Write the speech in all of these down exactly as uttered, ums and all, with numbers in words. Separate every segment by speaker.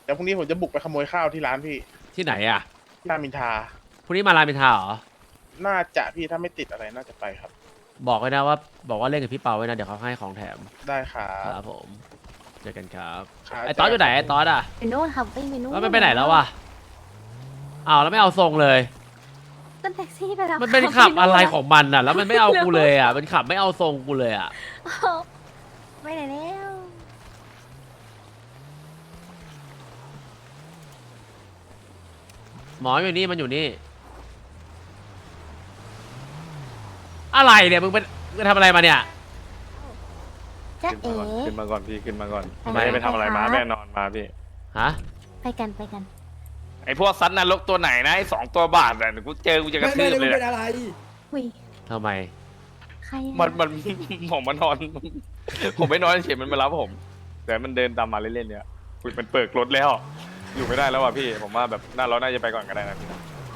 Speaker 1: เดี๋ยวพรุ่งนี้ผมจะบุกไปขโมยข้าวที่ร้านพี่
Speaker 2: ที่ไหนอ่ะ
Speaker 1: ที่รามอินทรา
Speaker 2: พรุ่งนี้มารามอินทราเหรอ
Speaker 1: น่าจะพี่ถ้าไม่ติดอะไรน่าจะไปครับ
Speaker 2: บอกไว้นะว่าบอกว่าเล่นกับพี่เปาไว้นะเดี๋ยวเขาให้ของแถม
Speaker 1: ได้ครั
Speaker 2: ค
Speaker 1: บ
Speaker 2: รับผมเจอกันครับ
Speaker 1: ครับ
Speaker 2: ไอ้ตอสอยู่ไหนไอ้ตอสอ่ะ
Speaker 3: ไปนู่นครับวิ่งไปนู่น
Speaker 2: แล้วมันไปไหนแล้ววะอ้าวแล้วไม่เอาทรงเลย
Speaker 3: ขึ้นแท็กซี่ไปแล้ว
Speaker 2: มันเป็นขับอะไรของมันอ่ะ แล้วมันไม่เอากูเลยอ่ะมันขับไม่เอาทรงกูเลยอ่ะ
Speaker 3: ไปไหนแล้ว
Speaker 2: หมออยู่นี่มันอยู่นี่อะไรเนี่ยมึงเป็นมึงทำอะไรมาเนี่ย
Speaker 3: จ๊ะ
Speaker 4: ขึ้น
Speaker 3: เอ๋
Speaker 4: มาก่อนขึ้นมาก่อนพี่ขึ้นมาก่อน
Speaker 3: ทำไม
Speaker 4: ไม่ได้ไปทำอะไรมาแน่นอนมาพี่
Speaker 2: ฮะ
Speaker 3: ไปกันไปกัน
Speaker 4: ไอพวกซัดนรกตัวไหนนะไอสองตัวบาทอ่ะเดี๋ยวกูเจอกูจะกระ
Speaker 5: ไม่
Speaker 4: ทื
Speaker 5: ไม่
Speaker 4: บ
Speaker 5: ได้
Speaker 4: เลย
Speaker 5: เป็น
Speaker 4: อะ
Speaker 5: อะไร
Speaker 3: หุย
Speaker 2: ทำไม
Speaker 3: ใคร
Speaker 4: มันมัน ผมมานอน ผมไม่นอนเฉยมันมารับผม แต่มันเดินตามมาเล่นๆเนี่ยคุยมันเปิดรถแล้ว อยู่ไม่ได้แล้วว่ะพี่ ผมว่าแบบน่าเราน่าจะไปก่อนก็ได้นะพี่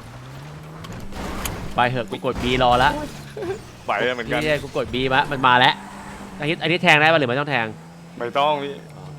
Speaker 2: ไปเถอะกูกดบีรอละ
Speaker 4: ไหวเลยเหมือนกัน
Speaker 2: นี่กูกดบีมามันมาแล้วอันนี้อันนี้แทงได้ป่ะหรือไม่ต้องแทง
Speaker 4: ไม่ต้องพี่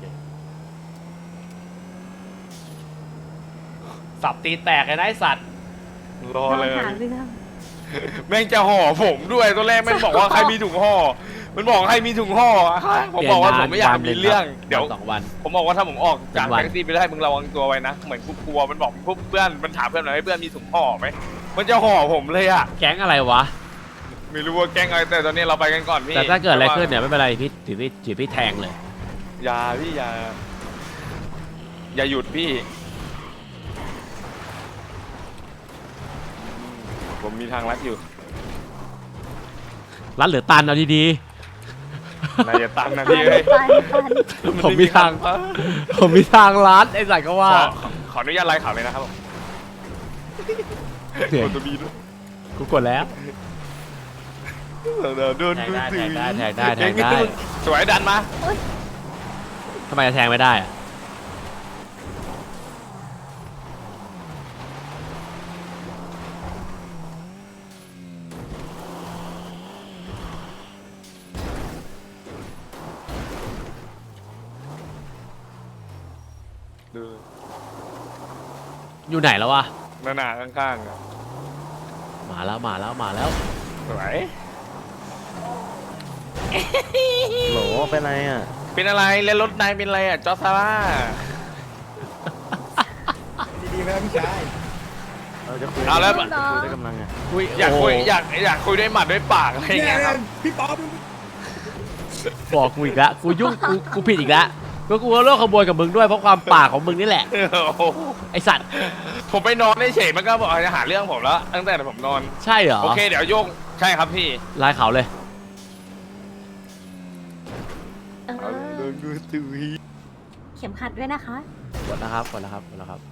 Speaker 2: สับตีแตกเลยนะไอสัตว์
Speaker 4: รอเลย
Speaker 3: หาเรื่อง
Speaker 4: แม่งจะห่อผมด้วยตัวแรกแม่งบอกว่าใครมีถุงห่อมันบอกใครมีถุงห่อผมบอกว่าผมไม่อยากมีเรื่องเดี๋ยว
Speaker 2: สองวัน
Speaker 4: ผมบอกว่าถ้าผมออกจาก
Speaker 2: เป็นวัน
Speaker 4: แท็กซี่ไปได้มึงระวังตัวไว้นะ เหมือนกูกลัวมันบอกพวกเพื่อนมันถามเพื่อนหน่อยให้เพื่อนมีถุงห่อไหมมันจะห่อผมเลยอะ
Speaker 2: แก๊งอะไรวะ
Speaker 4: ไม่รู้ว่าแกล้งอะไรแต่ตอนนี้เราไปกันก่อนพี่
Speaker 2: แต่ถ้าเกิดอะไรขึ้นเนี่ยไม่เป็นไรพี่ถือพี่ถือพี่แทงเลย
Speaker 4: อย่าพี่อย่าอย่าหยุดพี่ผมมีทางลัดอยู่
Speaker 2: รัดหรือตันเอาดี
Speaker 4: นายจะตันนะพี่เอ้ย
Speaker 3: ไปไป
Speaker 2: ๆผมมีทางผมมีทางลัดไอ้สัตว์ก็
Speaker 4: ข
Speaker 2: ว่า
Speaker 4: อขออนุญาตไลฟ์ข่าวเลยนะครับผม
Speaker 2: เดี๋ยว
Speaker 4: กดตัวบีด้วย
Speaker 2: กูกดแล้ว
Speaker 4: เดี๋ยวโดน
Speaker 2: แทง
Speaker 4: มือ
Speaker 2: ได้
Speaker 4: ถือ
Speaker 2: แทงได้แทงได้แทงได้
Speaker 4: สวยดันมา
Speaker 2: ทำไมจะแทงไม่ได้อะ
Speaker 4: ดู
Speaker 2: อยู่ไหนแล้ววะ
Speaker 4: หน้าหนาข้างๆอะ
Speaker 2: มาแล้วมาแล้วมาแล้ว
Speaker 4: สวย
Speaker 6: โหลเป็นไรอ่ะ
Speaker 4: เป็นอะไรเล่นรถนายเป็นอะไรอ่ะจอร์จซาร่า
Speaker 5: ดีๆไหมครับพี่ชาย
Speaker 6: เราจะคุย
Speaker 4: เอาแล้ว
Speaker 6: คุยด้วยกำลังไง
Speaker 2: คุย
Speaker 4: อยากคุย
Speaker 2: โโห
Speaker 4: อยากอยากคุยด้วยหมัดด้วยปากอะไรอย่าง
Speaker 5: เนี่
Speaker 4: เงี้
Speaker 5: ย
Speaker 4: ยครับ
Speaker 5: พี่ป๊อป
Speaker 2: บอกกูอีกแล้วกูยุ่งกูกูผิดอีกแล้วก็กูก็ร่วมขบวนกับมึงด้วยเพราะความปากของมึงนี่แหละ
Speaker 4: โอ้โห
Speaker 2: ไอสัตว์
Speaker 4: ผมไปนอนเฉยๆมันก็บอกจะหาเรื่องผมแล้ว ตั้งแต่ผมนอน
Speaker 2: ใช่เหรอ
Speaker 4: โอเคเดี๋ยวโยงใช่ครับพี่
Speaker 2: ลายเขาเลย
Speaker 3: เออ
Speaker 4: โดนดูตุย
Speaker 3: เข็มขัดด้วยนะคะ
Speaker 2: กดนะครับกดนะครับกดนะครับ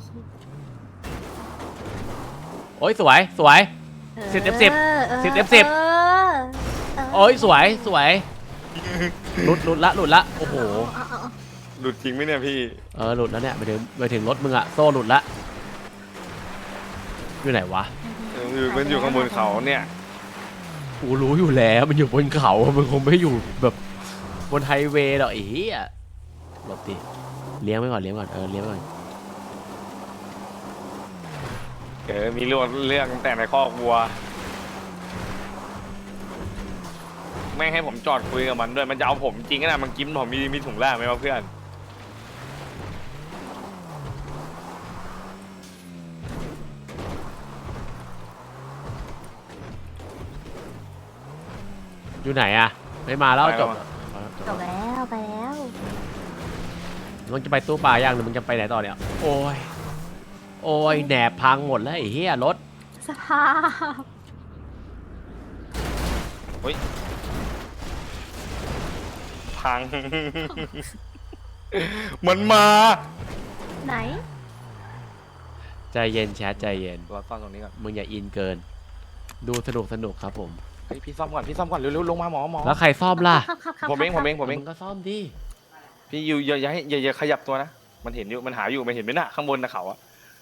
Speaker 2: โอ้ยสวยสวย สิบเต็มสิบสิบเต็มสิบ โอ้ยสวยสวยหลุดหลุดละหลุดละโอ้โห
Speaker 4: หลุดจริงไหมเนี่ยพี่
Speaker 2: เออหลุดแล้วเนี่ยไปถึงไปถึงรถมึงอะโซ่หลุดละอยู่ไหนวะ
Speaker 4: อยู่มันอยู่ข้างบนเขาเนี่ย
Speaker 2: กูรู้อยู่แล้วมันอยู่บนเขามันคงไม่อยู่แบบบนไฮเวย์หรอกไอ้เหี้ยหลบดิเลี้ยงไว้ก่อนเลี้ยงก่อนเออเลี้ยงไว้ก่อน
Speaker 4: เออมีเรื่องเรื่องแต่ในคอกวัวไม่ให้ผมจอดคุยกับมันด้วยมันจะเอาผมจริงนะมันกินผมมีมีถุงแรกไหมวะเพื่อน
Speaker 2: อยู่ไหนอะไม่มาแล้วจบ
Speaker 3: จบแล้วไปแล้ว
Speaker 2: มึงจะไปตู้ปลาย่างหรือมึงจะไปไหนต่อเนี่ยโอ้ยโอ้ยแหนบพังหมดแล้วไอ้เหี้ยรถ
Speaker 3: สภาพ
Speaker 4: พัง มันมา
Speaker 3: ไหน
Speaker 2: ใจเย็นแชทใจเย็น
Speaker 4: รอซ่อมตรงนี้ก่อน
Speaker 2: มึงอย่าอินเกิน ดูสนุกสนุกครับผม
Speaker 4: เฮ้ยพี่ซ่อมก่อนพี่ซ่อมก่อนเร็วๆลงมาหมอหมอ
Speaker 2: แล้วใครซ่อมล่ะ
Speaker 3: ครับครับครับ
Speaker 4: ผมเองผมเองผมเอง
Speaker 2: มึงก็ซ่อมดิ
Speaker 4: พี่อยู่อย่าอย่าให้อย่าอย่าขยับตัวนะมันเห็นอยู่มันหาอยู่มันเห็นไหมน่ะข้างบนนะเขาอะ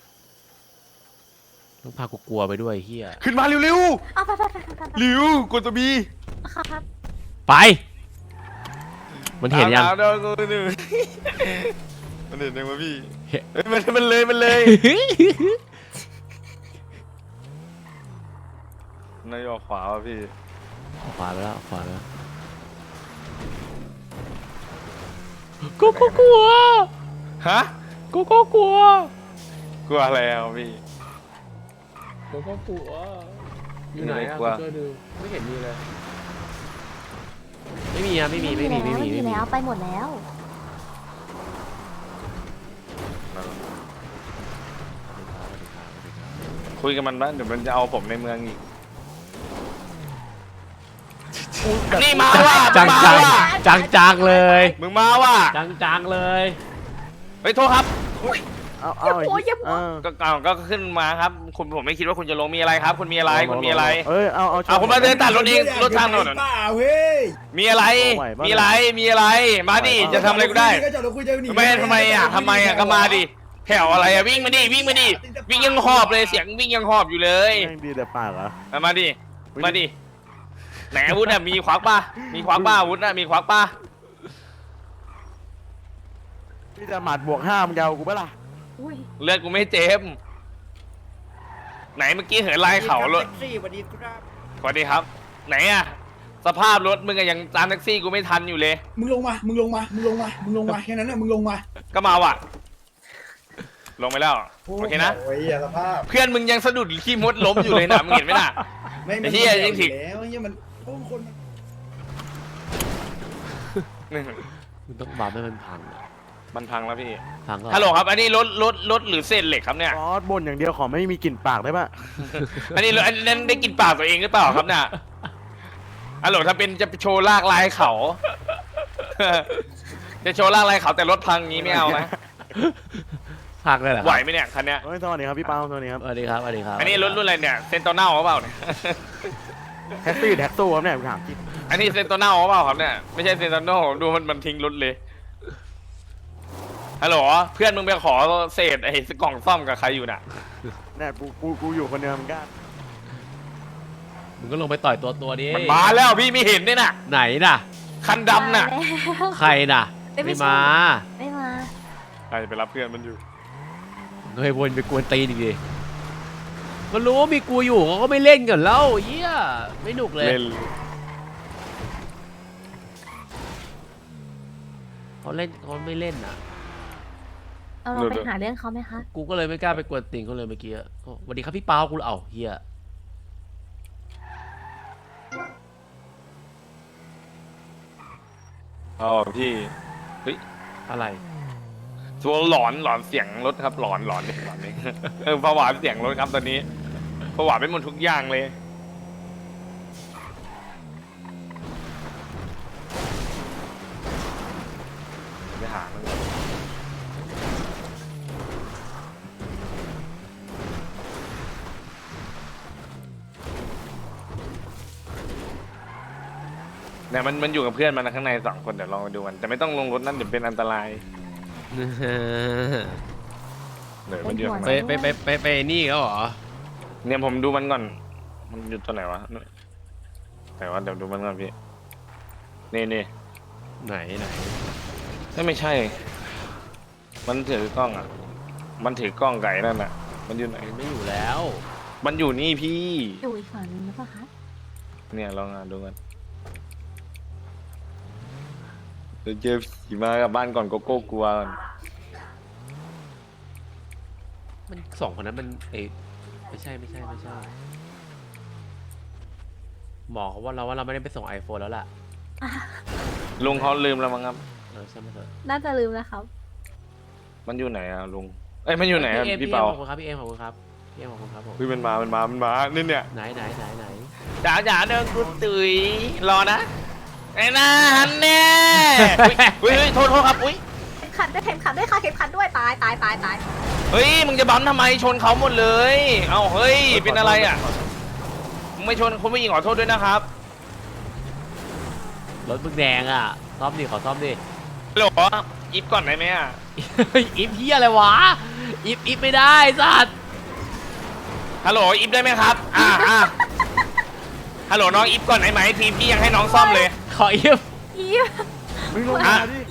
Speaker 2: ต้องพากูกลัวไปด้วยเฮีย
Speaker 4: ขึ้นมาเร็ว
Speaker 3: เอาไปไปไปไปไป
Speaker 4: ๆเร็วกดตัวบี
Speaker 3: ครับครับ
Speaker 2: ไป มันเห็นยัง
Speaker 4: อาอาเอาเอาเอามันเห็นยังวะพี่เฮ้ยมันมันเลยมันเลยนายออกขวาวะพี่
Speaker 2: ขวาไปแล้วขวาไปแล้วกูก็กลัว
Speaker 4: ฮะ
Speaker 2: กูก็กลัว
Speaker 4: กลัวอะไรอ่ะพี่
Speaker 2: กูก็กลัวอยู่ไหนอะ
Speaker 4: กลัว
Speaker 2: ช่วยดูไม่เห็นมีเลยไม่มีอะไม่มีไม่มีไม่มี
Speaker 3: ไม่มี
Speaker 2: ไม่มี
Speaker 3: แล้วไปหมดแล้ว
Speaker 4: คุยกับมันบ้างเดี๋ยวมันจะเอาผมในเมืองอีกนี่มาว่ะ
Speaker 2: จัง
Speaker 4: มา
Speaker 2: จัง
Speaker 4: ว่ะ
Speaker 2: จังจังเลย
Speaker 4: มึงมาว่ะ
Speaker 2: จังจังเลย
Speaker 4: เฮ้ยโทษครับ
Speaker 6: เอาเอา
Speaker 3: อย่าโวยอย่าโวย
Speaker 6: เออ
Speaker 4: ก็ก็ก็ขึ้นมาครับคุณผมไม่คิดว่าคุณจะลงมีอะไรครับ คุณมีอะไรคุณมีอะไร
Speaker 6: เอ้ยเอาเอา
Speaker 4: เอาคุณมาเดินตัดรถเองรถทางถนน
Speaker 5: เปล่าเฮ้ย
Speaker 4: มีอะไร
Speaker 6: ไหวปะ
Speaker 4: มีอะไรมีอะไรมาดิจะทำอะไรกูได้
Speaker 5: ก็จอดรถคุยเจอหนี
Speaker 4: ทำไมทำไมอ่ะทำไมอ่ะก็มาดิแถวอะไรอ่ะวิ่งมาดิวิ่งมาดิวิ่งยังหอบเลยเสียงวิ่งยังหอบอยู่เลย
Speaker 6: แม่งดีแต่ปากเหรอ
Speaker 4: เอามาดิมาดิไหนอาวุธอ่ะมีควักป่ะมีควักป่ะอาวุธอ่ะมีควักป่ะ
Speaker 6: พี่จะหมัดบวกห้ามึงจะเอากูปะล่ะ
Speaker 3: อุ้ย
Speaker 4: เลือดกูไม่เจ็บไหนเมื่อกี้เหินไล่เขารถ
Speaker 5: แท็กซี่สวัสดีครับ
Speaker 4: สวัสดีครับ ไหนอ่ะสภาพรถมึงอะยังตามแท็กซี่กูไม่ทันอยู่เลย
Speaker 5: มึงลงมามึงลงมามึงลงมามึงลงมาแค่นั้นน่ะมึงลงมา
Speaker 4: ก็มาว่ะ ลงไปแล้วโอเคนะ
Speaker 5: โอ้ยอย่าสภาพ
Speaker 4: เพื่อนมึงยังสะดุดขี้มดล้มอยู่เลยนะมึงเห็นไหมน่ะ
Speaker 5: ไม่
Speaker 4: ไอ้เหี้ยยังถึง
Speaker 5: แล้วไอ้เหี้ยมันโอ้คนมัน
Speaker 2: มึงต้องบัฟให้มันพังอะ
Speaker 4: มันพังแล้วพี่
Speaker 2: พังก็
Speaker 4: ฮัลโหลครับ อันนี้รถรถรถหรือเศษเหล็กครับเนี่ย
Speaker 6: ซอสบนอย่างเดียวขอไม่มีกลิ่นปากได้ปะ
Speaker 4: อันนี้อันนั้นได้กินปากตัวเองหรือเปล่าครับเนี่ยฮัลโหลถ้าเป็นจะโชว์ลากลายเขา จะโชว์ลากลายเขาแต่รถพังงี้ไม่เอานะ
Speaker 2: พังเลยเหรอ
Speaker 4: ไหวไหมเนี่ยคันเนี้ย
Speaker 6: เฮ้ยสวัสดีครับพี่เปาสวัสดีครับ
Speaker 2: สวัสดีครับสวัสดีครับ
Speaker 4: อันนี้รถรุ่นอะไรเนี่ยเซนโตเน่าหรือเปล่าเนี่ย
Speaker 6: แท็กซี่แท็กสู้ครับเนี่ยผมถามจริง
Speaker 4: อันนี้เซนโตเน่าหรือเปล่าครับเนี่ยไม่ใช่เซนโตโน่ดูมันมันทิ้งรถเลยฮัลโหลเพื่อนมึงไปขอเศษไอ้กล่องซ่อมกับใครอยู่น่ะ
Speaker 6: เนี่ยกูกูกูอยู่คนเดียวมึงกล้า
Speaker 2: มึงก็ลงไปต่อยตัวตัวดิ
Speaker 4: มันมาแล้วพี่ไม่เห็นเนี่ยน่ะ
Speaker 2: ไหนน่ะ
Speaker 4: คันดำน่ะ
Speaker 3: มาแล้ว
Speaker 2: ใครน่ะ
Speaker 3: เอ้ยไม่
Speaker 2: ไม่
Speaker 3: ใช่
Speaker 2: มา
Speaker 3: ไม่มา
Speaker 4: ใครไปรับเพื่อนมันอยู่
Speaker 2: เฮ้ยวนไปกวนตีนอีกดิมันรู้ว่ามีกูอยู่เขาก็ไม่เล่นกันแล้วเหี้ยไม่หนุกเลย
Speaker 4: เล่น
Speaker 2: เขาเล่นเขาไม่เล่นนะ
Speaker 3: เอาเราไปหาเรื่องเขาไหมคะ
Speaker 2: กูก็เลยไม่กล้าไปกวนตีนเขาเลยเมื่อกี้อะโอ้สวัสดีครับพี่เปากูเอาเฮีย
Speaker 4: อ๋อพี่เฮ้ย
Speaker 2: อะไร
Speaker 4: ตัวหลอนหลอนเสียงรถครับหลอนหลอนเลยหลอนเลย เออผวาเสียงรถครับตอนนี้ผวาไปหมดทุกอย่างเลยไปหามันก่อนเนี่ยมันมันอยู่กับเพื่อนมันนะข้างในสองคนเดี๋ยวลองไปดูกันแต่ไม่ต้องลงรถนั่นเดี๋ยวเป็นอันตรายเดี๋ยวมันอยู่ข้าง
Speaker 2: ไป
Speaker 4: ใน
Speaker 2: ไปไปไปไปนี่เขาเหรอ
Speaker 4: เนี่ยผมดูมันก่อน มันอยู่ตัวไหนวะไหนวะเดี๋ยวดูมันก่อนพี่ นี่นี่
Speaker 2: ไหนไหน
Speaker 4: ไม่ไม่ใช่ มันถือกล้องอ่ะ มันถือกล้องไก่นั่นอ่ะ มันอยู่ไหน
Speaker 2: มันไม่อยู่แล้ว
Speaker 4: มันอยู่นี่พี่
Speaker 3: อยู่อีกฝั่งนึงหรือเปล่าคะ
Speaker 4: เนี่ยลองอ่านดูกันเดี๋ยวเจอผีมากับบ้านก่อนโกโก้กลัวก่อน
Speaker 2: มันสองคนนั้นมันเอยไม่ใช่ไม่ใช่ไม่ใช่หมอเขาว่าเราว่าเราไม่ได้ไปส่ง iPhone แล้วล่ะ
Speaker 4: ลุงเขาลืมแล้วมั้งครับ
Speaker 2: เออใช่ไหมเถอะ
Speaker 3: น่าจะลืมแล้วครับ
Speaker 4: มันอยู่ไหนอ่ะลุง เอ้ยมันอยู่ไหนอ่ะ
Speaker 2: อ็ม
Speaker 4: พี่เปา
Speaker 2: ขอบคุณครับพี่เอ็มขอบคุณครับพี่เอ็มขอบคุณครับผม
Speaker 4: เฮ้ยมันมา มันมา มันมานี่เนี่ย
Speaker 2: ไหนไหนไหนไหน
Speaker 4: จ๋าจ๋าเดินกูตุ๋ยรอนะไอ้น่าฮันแน่อุ้ยเฮ้ยโทษโทษครับอุ้ย
Speaker 3: เข็มขัดด้วยเข็มขัดด้วยค่ะเข็มขัดด้วยตายตายตายตาย
Speaker 4: เฮ้ยมึงจะบัมทำไมชนเขาหมดเลย เอ้าเฮ้ยเป็นอะไรอ่ะมึงไม่ชนคุณผู้หญิงขอโทษด้วยนะครับ
Speaker 2: รถมึงแดงอ่ะซ่อมดิขอซ่อมดิ
Speaker 4: ฮัลโหลอิฟก่อนได้ไหมอ่ะ
Speaker 2: อิฟเฮียอะไรวะอิฟอิฟไม่ได้สัตว์
Speaker 4: ฮัลโหลอิฟได้ไหมครับอ่าอ่าฮัลโหลน้องอิฟก่อนได้ไหมทีมพี่ยังให้น้องซ่อมเลย
Speaker 2: ขออิฟ
Speaker 3: อีฟ
Speaker 6: มึงลง
Speaker 4: อ่ะ
Speaker 6: มาดิ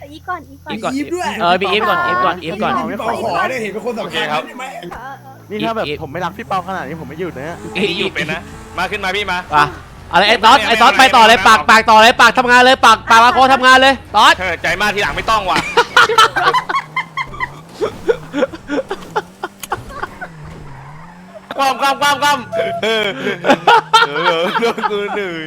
Speaker 3: อีกก่อนอีกก่อน
Speaker 2: อีฟก่อน
Speaker 5: อีฟด้วย
Speaker 2: เออมีอีฟก่อนอีฟก่อนอีฟก่อน
Speaker 5: พี่เปาขอได้เห็นเป็นคนสำคัญใช่ไหม
Speaker 3: เออเออ
Speaker 6: นี่ถ้าแบบ
Speaker 2: อีฟ
Speaker 6: ผมไม่รักพี่เปาขนาดนี้ผมไม่หยุดนะ
Speaker 4: พี่อยู่เป็นนะ มาขึ้นมาพี่มา
Speaker 2: ป่ะอะไรไอ้ตอสไอ้ตอสไปต่อเลยปากปากต่อเลยปากทำงานเลยปากปากมาโคทำงานเลยตอส
Speaker 4: เออใจมากทีหลังไม่ต้องว่ะความความความความเออเออเรื่องกูเหนื่อย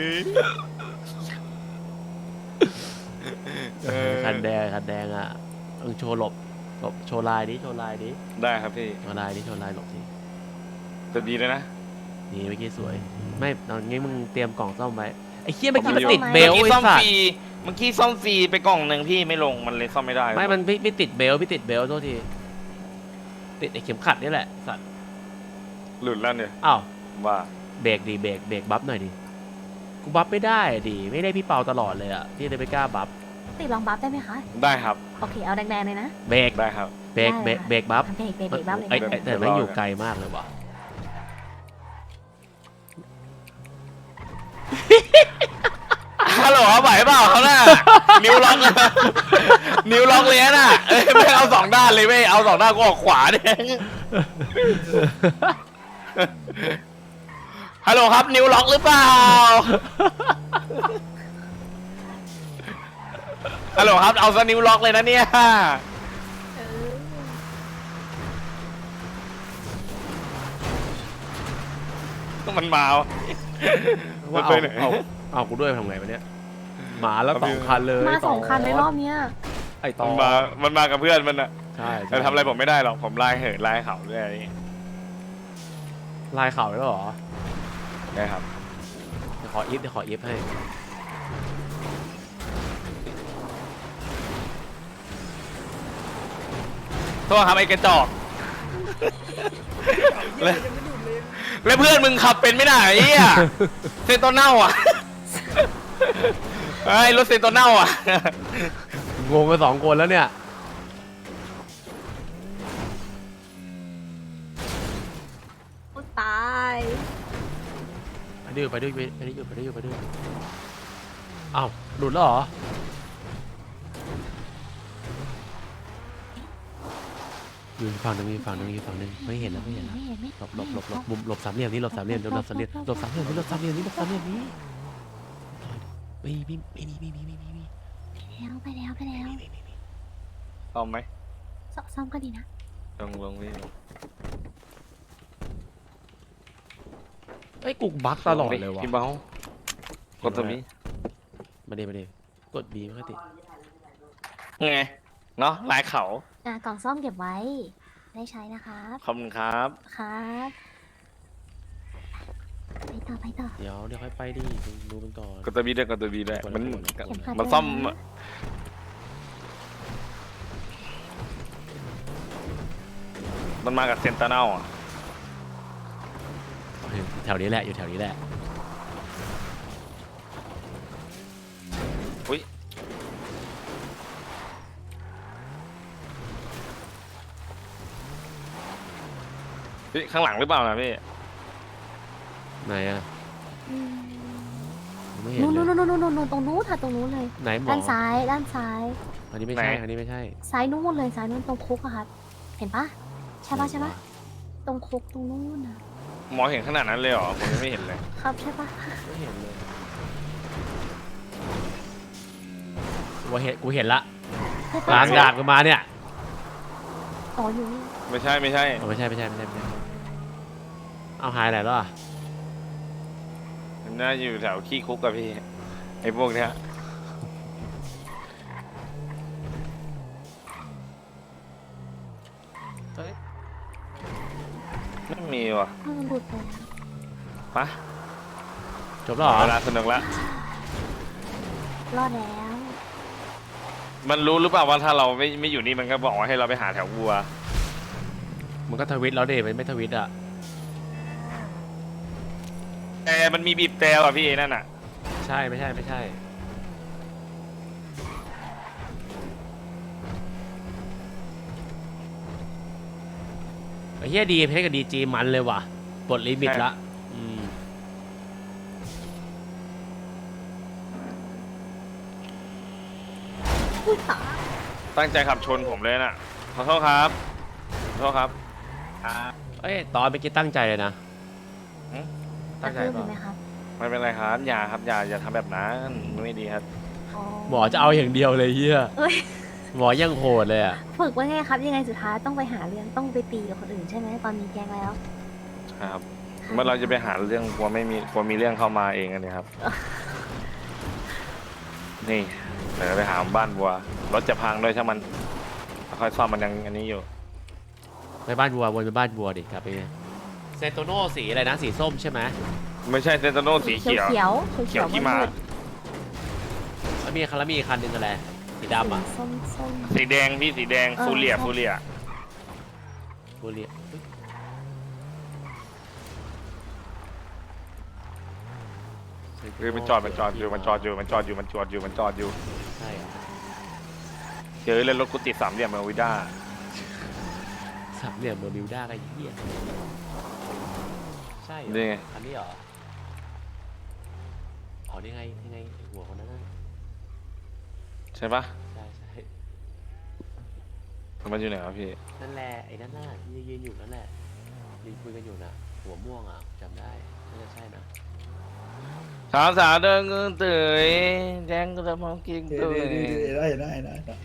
Speaker 4: เออ
Speaker 2: คันแดงคันแดงอ่ะต้องโชว์หลบหลบโชว์ลายดิโชว์ลายดิ
Speaker 4: ได้ครับพี่
Speaker 2: โชว์ลายดิโชว์ลายหลบดิ
Speaker 4: จะดีเลยนะ
Speaker 2: นี่เมื่อกี้สวยไม่ตอนนี้มึงเตรียมกล่องซ่อมไว้ไอ้เคี้ยเมื่อกี้มันติดเบ
Speaker 4: เมื่
Speaker 2: ล
Speaker 4: อกี้
Speaker 2: ไอ้
Speaker 4: ซ่อม
Speaker 2: สัต
Speaker 4: ฟ
Speaker 2: ว์
Speaker 4: รีเมื่อกี้ซ่อมฟรีไปกล่องหนึ่งพี่ไม่ลงมันเลยซ่อมไม่ได้
Speaker 2: ไม่มันไม่ไม่ติดเบลไม่ติดเบลโทษทีติดไอ้เข็มขัดนี่แหละสัตว์
Speaker 4: หลุดแล้วเนี่ย
Speaker 2: อ้าว
Speaker 4: ว่า
Speaker 2: เบรกดีเบรกเบรกบัฟหน่อยดิกูบัฟไม่ได้ดิไม่ได้พี่เปาตลอดเลยอ่ะที่เลยไม่กล้าบัฟ
Speaker 3: ติดลองบัฟได้ไหมคะ
Speaker 4: ได้ครับ
Speaker 3: โอเคเอาแดงๆเลยนะ
Speaker 2: เบรก
Speaker 4: ได้ครับ
Speaker 2: เบรกเบรกเบรกบัฟ
Speaker 3: เบรกเบรกเบรกบัฟเลย
Speaker 2: ไอ้
Speaker 3: นะ
Speaker 2: ไอ้แต่ไม่งอยู่ไกลมากเลยว่ะ
Speaker 4: ฮัลโหลไหวเปล่าเขาน่ะนิ้วล็อกนิ้วล็อกเลยน่ะเอ้ยไม่เอาสองด้านเลยไม่เอาสองด้านก็ออกขวาเนี่ยฮัลโหลครับนิ้วล็อกหรือเปล่าฮัลโหลครับเอาซะนิ้วล็อกเลยนะเนี่ย
Speaker 3: เออ
Speaker 4: มันมา
Speaker 2: ว่า
Speaker 4: ไป
Speaker 2: เอา
Speaker 4: ไหน
Speaker 2: เอาเอากูด้วยทำไงวะเนี่ยหมาแล้วสองคันเลย
Speaker 3: มาสองคันในรอบเนี้ย
Speaker 2: ไอ้ตอ
Speaker 4: มันมามันมากับเพื่อนมันอะ
Speaker 2: ใช่
Speaker 4: แต่ทำอะไรผมไม่ได้หรอกผมไล่เหินไล่เขาเรื่อย
Speaker 2: ลายเข่าแล้วเหรอ
Speaker 4: ได้ครับ
Speaker 2: เดี๋ยวขออีฟเดี๋ยวขออีฟให้
Speaker 4: โทษครับไอ้กระจอกแล้วแล้วเพื่อนมึงขับเป็นไม่ได้ไอ้เหี้ยเซนโตเน่าอ่ะไอ้รถเซนโตเน่าอ่ะ
Speaker 2: งงกันสองคนแล้วเนี่ย
Speaker 3: โอ้ตาย
Speaker 2: ไปดื้อไปดื้อไปดื้อไปดื้อไปดื้ออ้าวหลุดแล้วเหรออยู่อีกฝั่งหนึงอยู่อีกฝั่งหนึงอยู่อีกฝั่งหนึงไม่เห็นแล้วไม่เห็นแล้ว
Speaker 3: ไม่เห็นไหม
Speaker 2: หลบหลบหลบหลบมุมหลบสามเหลี่ยมนี้หลบสามเหลี่ยมหลบสามเหลี่ยมหลบสามเหลี่ยมนี้หลบสามเหลี่ยมนี้หลบสามเหลี่ยมนี้ไม่มีไม่มีไม่มีไม่มีไม่มี
Speaker 3: แล้วไปแล้วไปแล้ว
Speaker 4: ซ่อมไหม
Speaker 3: ซซ่อมก็ดีนะ
Speaker 4: ลงลงพี่
Speaker 2: ไอ้ยกูบั๊กตลอดเลยว่ะ
Speaker 4: พี่เบากดตัวนี้
Speaker 2: มาเดมาเดกดบีไม่ค่อยติด
Speaker 4: ไงเนาะลายเขา
Speaker 3: อ่ะกล่องซ่อมเก็บไว้ ได้ใช้นะครับ
Speaker 4: ขอบคุณครับ
Speaker 3: ครับไปต่อไปต่อ
Speaker 2: เดี๋ยวเดี๋ยวค่อยไปดิดูมันก่อน
Speaker 4: กดตัวบีด้วยกดตัวบีด้วยมัน
Speaker 3: เข็มขัด
Speaker 4: มันซ่อม
Speaker 3: ด้วยนะ
Speaker 4: มันมากับเซนเตอร์เน่าอ่ะ
Speaker 2: แถวนี้แหละอยู่แถวนี้แหละ
Speaker 4: อุ้ยพี่ข้างหลังหรือเปล่านะพี่
Speaker 2: ไหนอะ
Speaker 3: อืม
Speaker 2: ไม่เห็น
Speaker 3: นู่น
Speaker 2: เล
Speaker 3: นู่น
Speaker 2: ย
Speaker 3: นู่นนู่นนู่นตรงนู้นค่ะตรงนู้นเลย
Speaker 2: ไหนหมอ
Speaker 3: ด้านซ้ายด้านซ้าย
Speaker 2: อันนี้ไม่ใช่
Speaker 4: ไหน
Speaker 2: อันนี้ไม่ใช่
Speaker 3: ซ้ายนู้นเลยซ้ายนู้นตรงคุกอะครับ เห็นปะใช่ปะใช่ปะตรงคุกตรงนู้นนะ
Speaker 4: มหมอเห็นขนาดนั้นเลยเหรอผมยังไม่เห็นเลย
Speaker 3: ครับใช่ปะ
Speaker 2: ไม่เห็นเลยกูเห็นกูเห็นละ
Speaker 3: ใช่
Speaker 2: ก
Speaker 3: ปะ
Speaker 2: ลางดาบกันมาเนี่ย
Speaker 3: อ๋ออยู่นี่
Speaker 4: ไม่ใช่ไม่ใช่
Speaker 2: เอาไม่ใช่ไม่ใช่ไม่ใช่ไม่ใช่เอาหายไหนแล้วอ่ะ
Speaker 4: มันน่าจะอยู่แถวขี้คุกกับพี่ไอ้พวกเนี้ย
Speaker 2: เฮ้ย
Speaker 4: ไม่มีว่ะ
Speaker 3: มันหลุดไป
Speaker 4: ปะ
Speaker 2: จบแล้วเหรอ
Speaker 4: เวลาสนุกละ
Speaker 3: รอดแล้ว
Speaker 4: มันรู้หรือเปล่าว่าถ้าเราไม่ไม่อยู่นี่มันก็บอกว่าให้เราไปหาแถววัว
Speaker 2: มันก็ทวิตแล้วเดมันไม่ทวิตอ่ะ
Speaker 4: แต่มันมีบีบแต่ว่ะพี่นั่นอ่ะ
Speaker 2: ใช่ไม่ใช่ไม่ใช่ไอ้เหี้ยดีเพชรกับดีจีมันเลยว่ะปลดลิมิตละอืม
Speaker 3: อุ้ยตาย
Speaker 4: ตั้งใจขับชนผมเลยน่ะขอโทษครับขอโทษครับ
Speaker 2: เอ้ยตอนเมื่อกี้ตั้งใจเลยนะ
Speaker 4: หืม
Speaker 2: ตั้งใจ
Speaker 3: กระทืบ
Speaker 2: เป
Speaker 3: เห็นไหม
Speaker 2: ล่า
Speaker 3: ครับ
Speaker 4: ไม่เป็นไรครับอย่าครับอย่าอย่าทำแบบนั้นไม่ดีครับ
Speaker 3: อ๋อ
Speaker 2: หมอจะเอาอย่างเดียวเลยเฮีย
Speaker 3: เอ้ย
Speaker 2: หมอยังโหดเลยอ่ะ
Speaker 3: ฝึกไว้ไงครับ ยังไงสุดท้ายต้องไปหาเรื่องต้องไปตีกับคนอื่นใช่ไหมตอนมีแกงแล้ว
Speaker 4: ครับเมื่อเราจะไปหาเรื่องกลัวไม่มีกลัวมีเรื่องเข้ามาเองอันนี้ครับ นี่เดี๋ยวไปหาบ้านวัวรถจะพังด้วยช่างมันค่อยซ่อมมันยังอันนี้อยู่
Speaker 2: ไปบ้านวัววนไปบ้านวัวดิครับไปเซนโตโน่สีอะไรนะสีส้มใช่ไหม
Speaker 4: ไม่ใช่เซนโตโน่สีเขียว
Speaker 3: เขียวเขียว
Speaker 4: เขียวขี้ม้า
Speaker 2: แล้วมีคันแล้วมีอีกคันหนึ่งอะไรสีดำอ่ะ
Speaker 3: ส้มส้ม
Speaker 4: สีแดงพี่สีแดง
Speaker 3: เออ
Speaker 4: ฟูเรีย
Speaker 3: ใช่
Speaker 4: ฟูเรีย
Speaker 2: บุรีเฮ้ย
Speaker 4: คือมันจอดมันจอดอยู่มันจอดอยู่มันจอดอยู่มันจอดอยู่มันจอดอยู่
Speaker 2: ใช่เหรอ
Speaker 4: เจอเลยรถกูติดสามเหลี่ยมเมอร์วิด้า
Speaker 2: สามเหลี่ยมเบอร์มิวด้าก็เหี้ยใช่เหรอ
Speaker 4: นี่ไง
Speaker 2: อันนี้เหรออ๋อนี่ไงนี่ไงไอ้หัวคนนั้นน่ะ
Speaker 4: ใช่ปะ
Speaker 2: ใช่ใช่
Speaker 4: มันอยู่ไหนวะพี่
Speaker 2: นั่นแหละไอ้นั่นน่ะที่ยืนอยู่นั่นแหละยืนคุยกันอยู่น่ะหัวม่วงอ่ะจำได้น่าจะใช่นะ
Speaker 4: สาวสาวเดินเงินตื่นแดงก็จะมองกิน
Speaker 5: เดี๋ยว
Speaker 4: ตื่น
Speaker 5: ๆๆได้ได้ได้ได้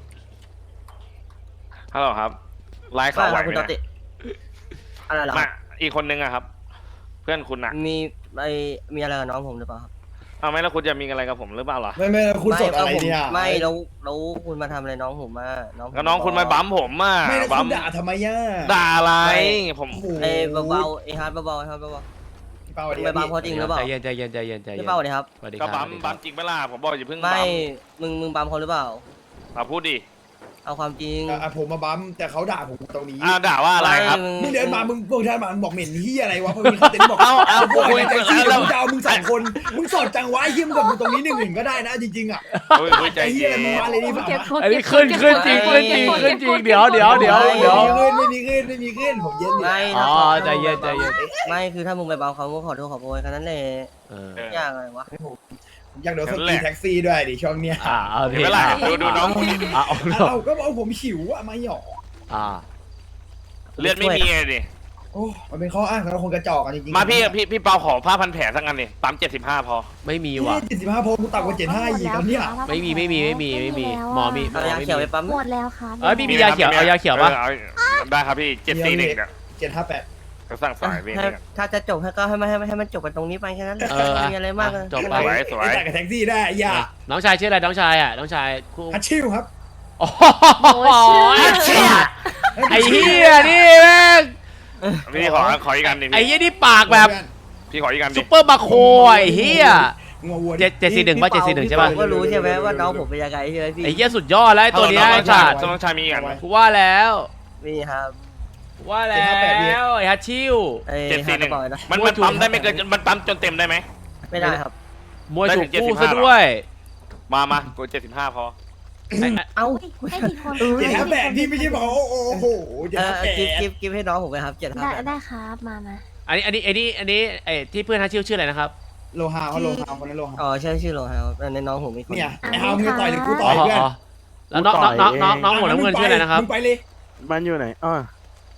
Speaker 4: ฮัลโหลครับไลฟ์ข่าวไหวไหม
Speaker 6: คุณต
Speaker 4: เนี่ย
Speaker 6: ติอะไรเหรอ
Speaker 4: มาอีกคนนึงอะครับ เพื่อนคุณอะ
Speaker 6: มีไอมีอะไรกับน้องผมหรือเปล่าครับ
Speaker 4: เอาไหมแล้วคุณจะมีอะไรกับผมหรือเปล่าล่ะ
Speaker 5: ไม่ไม่คุณสดอะไร
Speaker 6: ม่
Speaker 5: เนี่ย
Speaker 6: ไม่แล้วแล้วคุณมาทำอะไรน้องผมมาน้องผม
Speaker 4: ก็น้องคุณมาบัมผมอะ
Speaker 5: ไม่แล้ว
Speaker 4: บั
Speaker 5: คุ
Speaker 4: ม
Speaker 5: ณด่าทำไมย่า
Speaker 4: ด่าอะไรผม
Speaker 5: โอ้โห
Speaker 6: ไอ้เบาๆไอ้ฮาร์ดเบาๆไอ้ฮาร์ดเบา
Speaker 5: พี่เปาดี
Speaker 6: ไม่บัมเขาจริงหรือเปล่า
Speaker 2: ใจเย็นใจเย็นใจเย็นใจ
Speaker 6: ๆ
Speaker 2: เย็
Speaker 6: พี่
Speaker 2: น
Speaker 6: เป้าเลยครับ
Speaker 2: สวัสดีค
Speaker 4: ก็
Speaker 2: รับ
Speaker 4: บัม
Speaker 2: สวัสดีค
Speaker 4: บั
Speaker 2: รั
Speaker 4: มจริงไหมล่ะผมบอกอย่าเพิ่ง
Speaker 6: ไม่
Speaker 4: บัม
Speaker 6: มึงมึงบัมเขาหรือเปล่า
Speaker 4: มาพูดดิ
Speaker 6: เอาความจริง
Speaker 5: อ่ะผมมาบัมแต่เขาด่าผมตรงนี้
Speaker 4: อ้าวด่าว่าอะไรครับ
Speaker 6: ไม่
Speaker 5: มึงเดินมามึงพวกท่านมามึงบอกเหม็นเฮียอะไรวะพวกนี้เขาเต็นบอก
Speaker 4: เอาเอา
Speaker 5: พวก
Speaker 4: คุย
Speaker 5: แท็ก
Speaker 4: คุ
Speaker 5: ซี่
Speaker 4: ย
Speaker 5: เดี๋ยว
Speaker 4: แล้ว
Speaker 5: มึงจะเอามึงสองคนมึงสดจังวะไอ้เฮียมึงกับกูตรงนี้หนึ่งหนึ่งก็ได้นะจริงๆอ่ะ
Speaker 4: เฮ้ยเฮ้ยใจ
Speaker 5: ไอ้เฮี
Speaker 4: เย็
Speaker 5: ย
Speaker 4: น
Speaker 5: มึงมาเลยดีกว่า
Speaker 3: เก็บกด
Speaker 2: อันนี้
Speaker 3: เก็บก
Speaker 2: ขึ้น
Speaker 3: ด
Speaker 2: ขึ้นจริงขึ้นจริงขึ้นจริงเดี๋ยวเดี๋ยวเดี๋ยวเดี๋ยว
Speaker 5: ไม่มีขึ้นไม่มีขึ้นไม่มีขึ้นผมเย็นอยู่
Speaker 6: ไม่
Speaker 2: อ๋
Speaker 6: ถ้า
Speaker 2: อ
Speaker 6: ขา
Speaker 2: ใจเย็นใจเย็น
Speaker 6: ไม่คือถ้ามึงไปบัมเขาก็ขอโทษขอโพยแค่นั้นแหละ
Speaker 2: เออ
Speaker 4: เออ
Speaker 6: อย่างไรวะ
Speaker 5: ผมอยากโดนสตีแท็กซี่ด้วยดิช่วงเนี้ย
Speaker 2: อ่าเอา
Speaker 4: เห็น
Speaker 2: ดิ
Speaker 4: ไหมล่ะดูดูน้อง
Speaker 2: อ่าเอา
Speaker 5: เอาก็บอกผมหิวอะไม่หยอก
Speaker 2: อ่า
Speaker 4: เลือดไม่มีเลยดิ
Speaker 5: โอ้มันเป็นข้ออ้างสำหรับคนกระจอกกันจริงๆ
Speaker 4: มาพี่พี่พี่เปาขอผ้าพันแผลสักอันนี่ปั๊มเจ็ดสิบห้าพอ
Speaker 2: ไม่มีว่ะ
Speaker 5: เจ็ดสิบห้าโพกูต่ำกว่าเจ็ดห้าอีกตอนเนี้ย
Speaker 2: ไม่มีไม่มีไม่มีไม่มีหมอมี
Speaker 6: เอายาเขียวไปปั๊ม
Speaker 3: หมดแล้วครับ
Speaker 2: เอ้ยพี่มียาเขียวเอายาเขียวปะ
Speaker 4: ออเอาได้ครับพี่เจ็ดสี่หนึ่งเนี่ย
Speaker 5: เจ็ดห้าแปด
Speaker 4: ก็สั่งสายพี่
Speaker 6: ให้
Speaker 4: เนี่ย
Speaker 6: ถ้าจะจบให้ก็ให้มันให้มันให้มันจบกันตรงนี้ไปแค่นั้นแหละ
Speaker 2: เออ
Speaker 6: ไม่มีอะไรมากเลย
Speaker 2: จบ
Speaker 4: ส
Speaker 2: ไป
Speaker 4: วยสวย
Speaker 5: ไอ้จ่ายกับแท็กซี่ได้ไอ้ยา
Speaker 2: น้องชายชื่ออะไรน้องชายอ่ะน้องชายคู่
Speaker 5: ฮัตชิวครับ
Speaker 2: โอ้
Speaker 3: โอ้ย
Speaker 2: ย
Speaker 3: เชื่อ
Speaker 2: ไอ้เหี้ยนี่แม่ง
Speaker 4: พี่ขอขออีกอันดิ
Speaker 2: ไอ้
Speaker 4: พี่
Speaker 2: เหี้ยนี่ปากแบบ
Speaker 4: พี่ขออีกอันดิ
Speaker 2: ซุปเปอร์มาโคไอ้เหี้ย
Speaker 5: งัววัว
Speaker 2: เจ็ดเจ็ดสี่หนึ่งป่ะเจ็ดสี่หนึ่งใช่ป่ะ
Speaker 6: พี่เปาก็รู้ใช่ไหมว่าน้องผมเป็นยังไงใช่ไหมพี่
Speaker 2: ไอ้เหี้ยสุดยอดแล้วไอ้ตัวเนี้ย
Speaker 4: น้
Speaker 2: ไอ้
Speaker 4: องชา
Speaker 2: สั
Speaker 4: ย
Speaker 2: ตว์
Speaker 4: น้องชายมีอีกอัน
Speaker 2: กูว่าแล้ว
Speaker 6: นี่ครับ
Speaker 2: กูว่าแล้วไอ้ฮัตชิว
Speaker 6: ไอ้
Speaker 4: เจ็ด
Speaker 6: ฮา
Speaker 4: สี่
Speaker 6: ร์
Speaker 4: ห
Speaker 6: ด
Speaker 4: นึ่ง
Speaker 6: บอยนะ
Speaker 4: มันมันปั๊มได้ไม่เกินมันปั๊มจนเต็มได้ไหม
Speaker 6: ไม่ได้ครับ
Speaker 2: มวยถูก
Speaker 4: ได้ถึง
Speaker 2: คู่
Speaker 4: เจ็ดสิบห้า
Speaker 2: ซะด้วย
Speaker 4: มามากูเจ็ดสิบห้าพอ
Speaker 2: ไอ้ไอ้
Speaker 6: เอ้า
Speaker 3: ให้กี่คน
Speaker 5: เจ็ดห้าแปดพี่ไม่ใช่บอกโอ้โหเจ็ด
Speaker 6: เอ
Speaker 5: ห้า
Speaker 6: อ
Speaker 5: แปด
Speaker 6: กิฟกิฟกิฟให้น้องผมไปครับเจ็ด
Speaker 3: ได้
Speaker 6: ห้า
Speaker 3: ได้ครับมามา
Speaker 2: อันนี้อันนี้อันนี้อันนี้ไอ้ที่เพื่อนฮัตชิวชื่ออะไรนะครับ
Speaker 5: โลฮาวเขาโลฮาวคนนั้นโลฮาว
Speaker 6: อ๋อใช่ชื่อโลฮาวในน้องผมมีคน
Speaker 5: เนี่ยไอ้ฮาวมึงจะต่อยหรือกูต่
Speaker 2: อ๋
Speaker 5: อ
Speaker 2: อย
Speaker 5: เพื่อน
Speaker 2: อ๋อแล้วน้องน้องน้องน้องน้องหัวน้ำเงินชื่ออะไรนะครับ
Speaker 5: มึงไปเลย
Speaker 7: มันอยู่ไหนอ้อ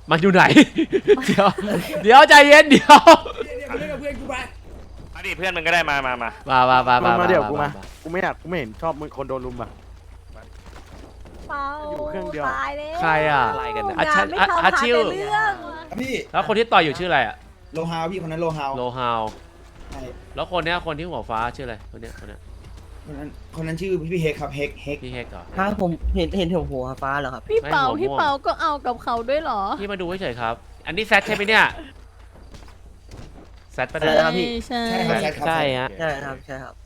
Speaker 2: มันอยู่ไหน เดี๋ยวเดี๋ยวใจเย็นเดี๋ยว
Speaker 5: เนี่ยเนี่ยมึงเล่นกับเพื่อนกูไป
Speaker 4: มาดิเพื่อนมึงก็ได้มามามา
Speaker 2: มามามามา
Speaker 7: มาเดี๋ยวกู
Speaker 2: มา
Speaker 7: มา กูไม่อยากกูไม่เห็นชอบมึงคนโดนลุมอ่ะ
Speaker 3: เปา
Speaker 7: อยู่เครื่องเดียว
Speaker 3: ตายแล้ว
Speaker 2: ใครอ่ะ
Speaker 8: อะไรกันเนี่ย
Speaker 2: อา
Speaker 3: งา
Speaker 2: ชั
Speaker 3: น
Speaker 2: น
Speaker 3: ไม่
Speaker 2: อา
Speaker 3: ทำ
Speaker 2: อา
Speaker 3: หา
Speaker 2: ชิว
Speaker 3: แต่เรื่อง
Speaker 5: พี่
Speaker 2: แล้วคนที่ต่อยอยู่ชื่ออะไรอ่ะ
Speaker 5: โลฮาวพี่คนนั้นโลฮาว
Speaker 2: โลฮาว
Speaker 5: ใช่
Speaker 2: แล้วคนเนี้ยคนที่หัวฟ้าชื่ออะไรคนเนี้ยคนเนี้ย
Speaker 5: คนนั้นคนนั้นชื่อพี่เฮกครับเฮกเฮก
Speaker 2: พี่เฮกเหรอ
Speaker 6: ฮะผมเห็นเห็นหัวหัวฟ้าเหรอครับ
Speaker 9: พี่เปา
Speaker 2: ไม่หัวม่วง
Speaker 9: พี่เปาก็เอากับเขาด้วยเหรอ
Speaker 2: พี่มาดูเฉยๆครับ อันนี้แซดใช่ไหมเนี่ยแซดปะ
Speaker 6: อะไร
Speaker 2: เนี่ย
Speaker 6: นะครับพี่
Speaker 9: ใช่
Speaker 5: ใช่ครับใช่ครับ
Speaker 8: ใช่ฮะ
Speaker 6: ใช่ครับใช่ครับ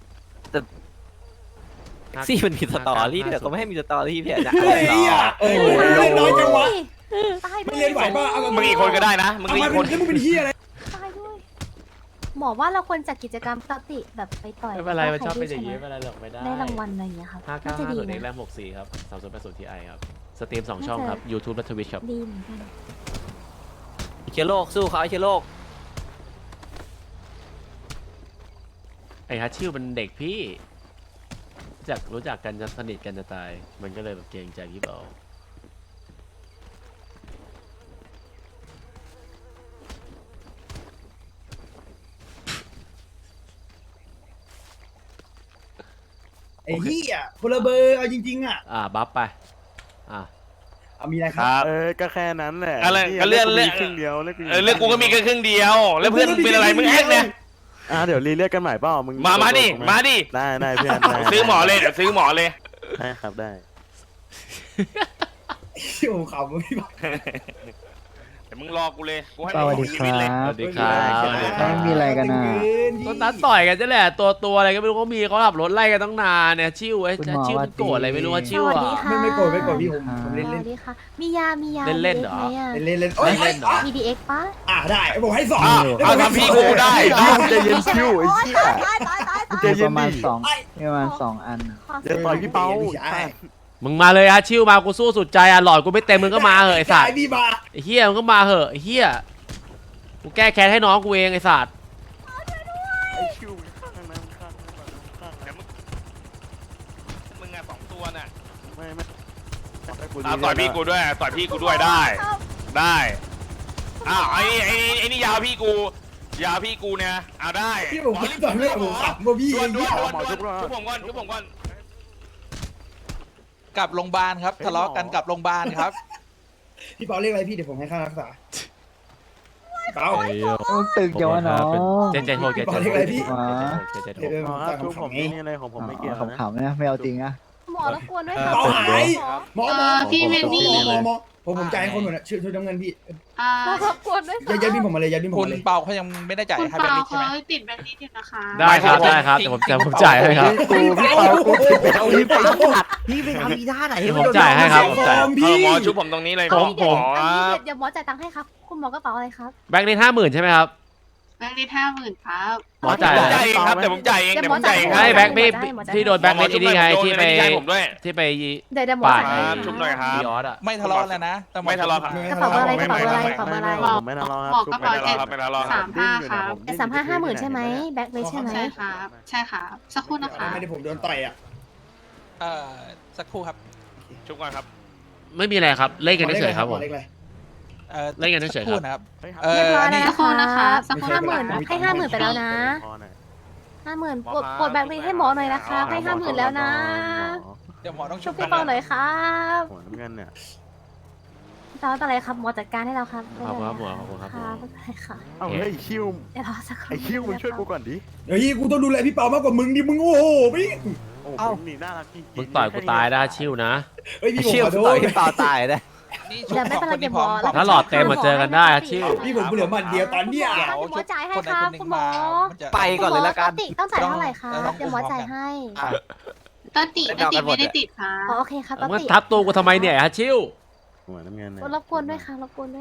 Speaker 8: ซี่มันมีสตอรี่แต่ก็ไม่ให้มีสตอรี่พี่อาจจะ
Speaker 5: เฮ้ยอ่ะโอ้โหเล่นน้อยจังวะ
Speaker 3: ตายด้
Speaker 5: ไม่
Speaker 3: วย
Speaker 5: เล่นไหวป่ะเอา
Speaker 4: มึงอีกคนก็ได้นะมึง
Speaker 5: เอา
Speaker 4: อี
Speaker 5: มาก
Speaker 4: คน
Speaker 5: เป็นแล้วมึงเป็นเฮียอะไร
Speaker 3: ตายด้วยหมอว่าเราควรจัดกิจกรรมปกติแบบไปต่อย
Speaker 2: ไม่เป็นไรมันชอบเป็นอย่าง
Speaker 3: นี้
Speaker 2: นี้ไม่เป็นไรหรอกไม่ได้
Speaker 3: ได้รางวัลอะไรอย่างเงี้ยครับ
Speaker 2: ห้า
Speaker 3: น่า
Speaker 2: เก้า
Speaker 3: จะ
Speaker 2: ห้า
Speaker 3: ดี
Speaker 2: ศูนย์เอ็กแร
Speaker 3: นะ
Speaker 2: มหกสี่ครับสามศูนย์แปดศูนย์ทีไอครับสตรีมสองช่องครับ YouTube และ Twitch ครับ
Speaker 3: ดีเหมือนกัน
Speaker 8: เชื้อโรคสู้เขาไอ้เชื้อโรค
Speaker 2: ไอ้ฮัชชิวมันเด็กพี่รู้จักรู้จักกันจะสนิทกันจะตาย มันก็เลยแบบเกรงใจพี่เบา
Speaker 5: ไอ้เฮียคนละเบอร์เอาจริงๆอ่ะ
Speaker 2: อ่าบัฟไปอ่า
Speaker 5: เอามีอะไรค
Speaker 4: ครับ รับ
Speaker 7: เออ ก็แค่นั้นแหละ
Speaker 4: อะไร
Speaker 7: นี่
Speaker 4: ก็เลื่อน
Speaker 7: กู
Speaker 4: เลื่
Speaker 7: มี
Speaker 4: อน
Speaker 7: ครึ่งเดียวเลือก
Speaker 4: เออเรื่องกูก็มีแค่ครึ่งเดียว แล้วเพื่อนมึงเป็นอะไรมึงแอกเนี่ย
Speaker 7: อ่ะเดี๋ยวรีเลือกกันใหม่เปล่ามึง
Speaker 4: มามาดิมาดิ
Speaker 7: ได้ได้เพื่อนได้
Speaker 4: ซื้อหมอเลยเดี๋ยวซื้อหมอเลย
Speaker 7: ได้ครับได้
Speaker 5: ที่ผมขำพี่บอก
Speaker 4: เดี๋ยวมึงรอกูเลยกูให้
Speaker 10: สวัสดีครับ
Speaker 2: สวัสดีครับสวัสดีครับ
Speaker 10: ไม่มีอะไรกันนะ
Speaker 2: ก็นัดต่อยกันจะแหละตัวตัวอะไรก็ไม่รู้เขามีเขาขับรถไล่กันตั้งนานเนี่ยชิวไอ้
Speaker 10: คุณหมอ
Speaker 2: ชิวมันโกรธอะไรไม่รู้ว่า
Speaker 3: ส
Speaker 2: ชิว
Speaker 3: วัส
Speaker 2: อ่ะ
Speaker 3: ดีค่ะ
Speaker 5: ไม่ไม่โกรธไม่โกรธพี่ผมผม
Speaker 3: ส
Speaker 5: เล่น
Speaker 3: วั
Speaker 5: เล่น
Speaker 3: สดีค่ะ มียา มียา
Speaker 2: เล่นๆเหรอ
Speaker 5: เล่นเล่นโอ้ย
Speaker 2: เล่นๆเหรอ
Speaker 5: อ่ะ
Speaker 3: มี ดี เอ็กซ์ปะ
Speaker 5: อ่ะได้ผมให้สอง
Speaker 4: อ้าว
Speaker 5: แล้ว
Speaker 4: เอา
Speaker 5: ผมให้
Speaker 4: ทำพี่
Speaker 5: สอง
Speaker 4: กูได้
Speaker 7: ชิวใจเย็นชิวไอ้เหี้ย
Speaker 3: ตายตายตายตาย
Speaker 7: ใจ
Speaker 10: มี
Speaker 7: เย็
Speaker 10: ป
Speaker 7: น
Speaker 10: ระมาณ
Speaker 7: ดิ
Speaker 10: สองมีประมาณสองอันน่ะ
Speaker 3: ขอ
Speaker 7: เดี๋ยวต่อยพี่เปา
Speaker 5: ใช่
Speaker 2: มึงมาเลยฮะชิวมากูสู้สุดใจอ่ะหลอดกูไม่เต็มมึงก็มาเหอะไอ้สัตว์
Speaker 5: ใช่พี่มา
Speaker 2: ไอ้เฮียมึงก็มาเหอะไอ้เฮียกูแก้แค้นให้น้องกูเองไอ้สัตว์
Speaker 7: ไอ้ชิวข้างนั้นข้างนั้นข้างนั้น
Speaker 4: มึงอะสองตัวน่ะ
Speaker 7: ไม่ไม่ให้กู
Speaker 4: เอา
Speaker 7: รี
Speaker 4: ต่อย
Speaker 7: เลื
Speaker 4: พี่
Speaker 7: ก
Speaker 4: กูด้วยต่อยพี่กูด้วยได้ ได้อ้าวไอ้นี่ไอ้นี่ไอ้นี่ยาวพี่กูยาวพี่กูเนี่ยเอาได้
Speaker 5: พี่ผมตอนแรกผมขำว่าพี่
Speaker 4: ด่วนด่
Speaker 5: เหี้
Speaker 4: วย น
Speaker 5: อะ
Speaker 4: ด่วนด่วนชุบผมก่อนชุบผมก่อน
Speaker 11: กลับโรงพยาบาลครับทะเลาะกันกลับโรงพยาบาลครับ
Speaker 5: พี่เปาเรียกอะไรพี่เดี๋ยวผมให้ค่ารักษาเปา
Speaker 2: ไอ้เหี้ย
Speaker 10: ต้องตึกจังวะน้อง
Speaker 2: เจนเจนโทษเจนเจนโทษ
Speaker 5: บอกเลยพี่
Speaker 2: เจนเจนโท
Speaker 5: เดี๋ยว
Speaker 2: ษ
Speaker 5: เดี๋ยว
Speaker 7: อ๋อ
Speaker 5: ผม
Speaker 7: ทุก
Speaker 5: ขำ
Speaker 7: ผม
Speaker 5: ไง
Speaker 7: นี่อะไรของผมไม่เกี่ยวนะ
Speaker 10: ขำๆนะไม่เอาจริงนะ
Speaker 3: หมอรบกวนด้วย
Speaker 11: เออ
Speaker 3: ค่ะ
Speaker 5: เปาหาย
Speaker 3: หมอ
Speaker 5: หมอหมอ
Speaker 9: พี่เวนนี่
Speaker 5: หมอหมอผมผมจ่ายให้คนหมดนะชื่อชื่อน้ำเงินพี่
Speaker 9: อ่า
Speaker 3: หมอรบกวนด้วย
Speaker 5: ยัดยัดพี่ผมมาเลยยัดพี่ผม
Speaker 11: คุณ
Speaker 5: มาเลย
Speaker 11: เปาเขายังไม่ได้จ่าย
Speaker 9: คุณ
Speaker 11: ให้แบง
Speaker 9: เปา
Speaker 11: ค์ลิสใช่ไหม
Speaker 9: เขาติดแบงค์ลิสอยู่นะคะ
Speaker 2: ได้ครับได้ครับเดี๋ยวผมจะผมจ่ายให้ครับ
Speaker 7: กูพี่เปากูพี่เปาพี่เปา
Speaker 6: พี่ไปทำอีท่าไหน
Speaker 2: เดี๋ยวผมจ่ายให้ครับผมจ่าย
Speaker 5: ฟอร์ม
Speaker 4: เอ
Speaker 5: พี่
Speaker 4: อหมอชุบผมตรงนี้เลย
Speaker 2: ผม
Speaker 4: หมอ
Speaker 3: อันนี้เดี๋ยวหมอจ่ายตังค์ให้ครับ คุณหมอกระเป๋าอะไรครับ
Speaker 2: แบงค์นี้ห้าหมื่นใช่ไหมครับ
Speaker 9: แบงค์ลิสห้าหมื่นครับ
Speaker 2: หมอจ่าย
Speaker 4: ผมจ่ายเองครับเดี๋ยวผมจ่ายเองเดี๋ยวผมจ่ายเองครับ
Speaker 2: ให้แบงค์พี่พี่โดนแบงค์เล็กไอ้นี่ไงที่ไป
Speaker 4: ม่ใช่ผมด้วย
Speaker 2: ที่ไป
Speaker 3: เดี๋ยวเดี๋ยวหมอ
Speaker 2: ปาด
Speaker 3: จ่าย
Speaker 4: ค
Speaker 3: ให้
Speaker 4: รับชุบหน่อยครับ
Speaker 2: บีออสอ่ะ
Speaker 11: ไม่ทะเลาะแล้วนะแต่หอ
Speaker 4: ไม่ทะเลาะครับ
Speaker 3: กระเป๋าเบอร์อะไรกระเป๋าเบอร์อะไรกระเป๋าเบอร์อะไร
Speaker 7: ผมไม่ทะเลาะครับ
Speaker 9: หมอกระเป๋า
Speaker 4: ไม่ทะเลาะครับไม่ทะเลาะครับ
Speaker 9: สามห้าครับ
Speaker 3: แต่สามห้าห้าหมื่นใช่ไหมแบ็คเลยใช่ไหม
Speaker 9: ใช่ครับ ใช่ครับสักครู่นะคะ
Speaker 5: ไม่ได้ผมโดนต่อยอ่ะ
Speaker 11: เอ่อสักครู่ครับ
Speaker 4: ชุบก่อนครับ
Speaker 2: ไม่มีอะไรครับเล่นกันเฉยๆครับผม
Speaker 5: เล็กเลย
Speaker 11: เอ่อ
Speaker 2: เล่นกันเฉยๆ
Speaker 11: สักครู่
Speaker 2: ครับ
Speaker 11: นะครับ
Speaker 7: เฮ้ย
Speaker 11: เอ
Speaker 3: เรียบ
Speaker 11: อ
Speaker 3: ร้อย
Speaker 11: อัน
Speaker 3: แล้
Speaker 11: นี้
Speaker 3: วนะคะ
Speaker 9: นะคะสักครู่
Speaker 3: ห้าหมื่นให้ห้าหมื่นไปแล้วนะ
Speaker 7: พอหน่อย
Speaker 3: ห้าหมื่นกดกดแบ็คเลยให้หมอหน่อยนะคะให้ห้าหมื่นแล้วนะ
Speaker 11: เดี๋ยวหมอต้อง
Speaker 3: ช่
Speaker 11: ชุ
Speaker 3: วย
Speaker 11: บ
Speaker 3: พี่เปาหน่อยครับ
Speaker 7: หัวน้ำเงินเนี่ย
Speaker 3: ตอนอะไรครับหมอจัดการให้เราครับ
Speaker 2: ขอบคุณครับหมอขอบคุณครับหมอ
Speaker 3: ไม่เป็นไรค่ะ
Speaker 7: เอ้าเฮ้ยคิว
Speaker 3: เดี๋ยวรอสักครู่
Speaker 7: ไอ้คิวมึงช่วยกูก่อนดิ
Speaker 5: เดี๋ยวพี่กูต้องดูแลพี่เปามากกว่ามึงดิมึงโอ้โหพี่
Speaker 7: โอ้มึงนี่น่ารักจริงๆ
Speaker 2: มึงต่อยกูตายได้ชิวนะ
Speaker 5: เฮ้ยพี่ผม
Speaker 8: เชี่ยว
Speaker 5: ขอโท
Speaker 8: ต่อ
Speaker 5: ษ
Speaker 8: ยพี่เปาตายได้
Speaker 11: นี่ชุบ
Speaker 3: เดี๋ยวไม่
Speaker 11: สอง
Speaker 3: เป็นไร
Speaker 11: คน
Speaker 3: เดี๋ยวหมอ
Speaker 11: ที่พร้อม
Speaker 2: ถ้าหลอดเต็มมาเจอกันได้อะชิว
Speaker 5: พี่ผมเหลือหมันเดียวตอนเนี้ย
Speaker 11: เดี๋ยว
Speaker 3: หมอจ่ายให้
Speaker 11: คนใด
Speaker 3: ครั
Speaker 11: ค
Speaker 3: บ
Speaker 11: นหนึ่ง
Speaker 3: คุณหมอ
Speaker 11: มามันจะ
Speaker 8: ไปก่อนเลยละกัน
Speaker 3: ปติต้องจ่ายเท่าไหร่ครับ
Speaker 11: ต้อง
Speaker 3: เดี๋ยวหมอจ่ายให้
Speaker 9: ตอนติตอนติไม่ได้ติดค่ะ
Speaker 3: อ๋อโอเคครับป
Speaker 2: มึง
Speaker 3: ติ
Speaker 2: ทับตัวกูทำไมเนี่ยฮะชิว
Speaker 7: หัวน้ำเงินเนี่ย
Speaker 3: รบกวนด้วยค่ะรบกวนด้วย